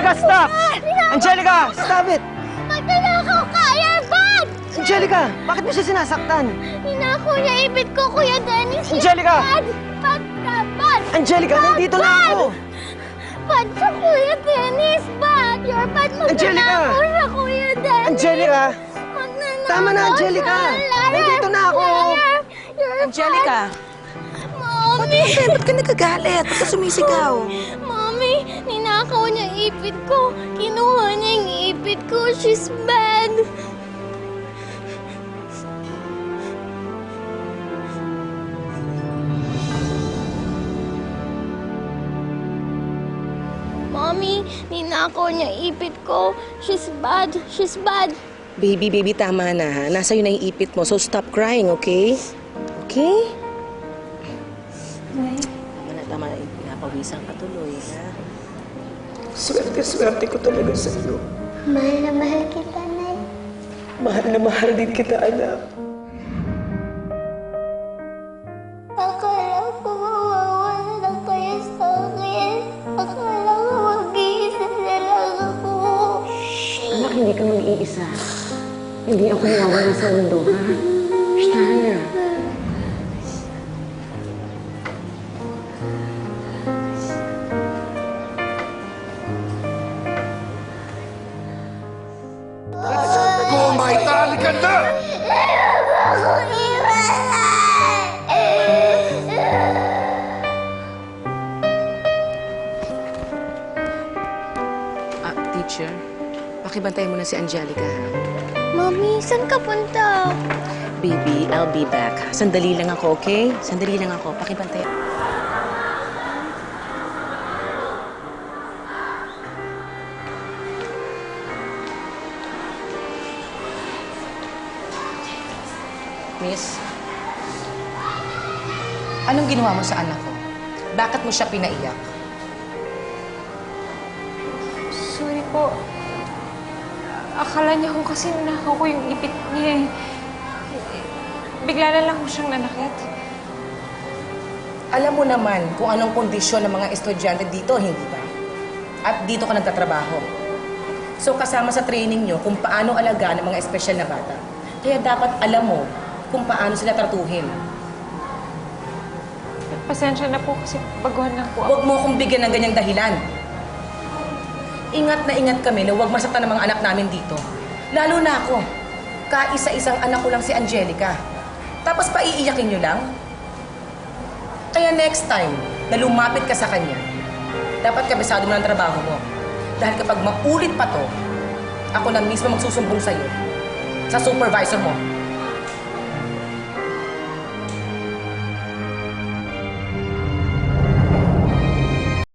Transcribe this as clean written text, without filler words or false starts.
Angelica, stop! Angelica, stop it! Magnanakaw ka! You're bad! Angelica, bakit mo siya sinasaktan? Ninakaw niya ibit ko, Kuya Dennis. He's Angelica! bad! Bad ka! Bad! Angelica, nandito na ako! Bad siya, Kuya Dennis! Bad! You're bad! Angelica! Magnanakaw siya, Kuya Dennis! Angelica! Magnanakaw Tama na, Angelica! siya. Liar! Nandito na ako! Liar! You're Angelica! Mommy! Ba't ka nagagalit? Ba't ka sumisigaw? Mommy, ninakaw niya yung ipit ko. Kinuha niya yung ipit ko. She's bad. Mommy, ninakaw niya yung ipit ko. She's bad. She's bad. Baby, tama na ha. Nasa na yung ipit mo, so stop crying, okay? Okay? Tama na. Pinapawisan ka tuloy, ha? Swerte ko talaga sa iyo. Mahal na mahal kita, Nay. Mahal na mahal din kita, anak. Akala ko mawawala na kayo sa akin. Akala ko mag-iisa na lang ako. Anak, hindi ka mag-iisa. Hindi ako nawawala sa mundo, ha? Shana. Kumaitali ka na! Ako iwanan! Teacher, pakibantay mo na si Angelica, ha? Mami, saan ka punta? Baby, I'll be back. Sandali lang ako, okay? Sandali lang ako. Pakibantay. Miss, anong ginawa mo sa anak ko? Bakit mo siya pinaiyak? Sorry po. Akala niya ko kasi nakaw ko yung ipit niya eh. Bigla na lang ko siyang nanakit. Alam mo naman kung anong kondisyon ng mga estudyante dito, hindi ba? At dito ka nagtatrabaho. So kasama sa training nyo kung paano alagaan ng mga espesyal na bata. Kaya dapat alam mo kung paano sila tratuhin. Pasensya na po kasi baguhan lang po ako. Huwag mo akong bigyan ng ganyang dahilan. Ingat na ingat kami na huwag masaktan ng mga anak namin dito. Lalo na ako. Kaisa-isang anak ko lang si Angelica. Tapos paiiyakin nyo lang? Kaya next time na lumapit ka sa kanya, dapat kabisado mo ng trabaho mo. Dahil kapag maulit pa to, ako na mismo magsusumbong sa'yo. Sa supervisor mo.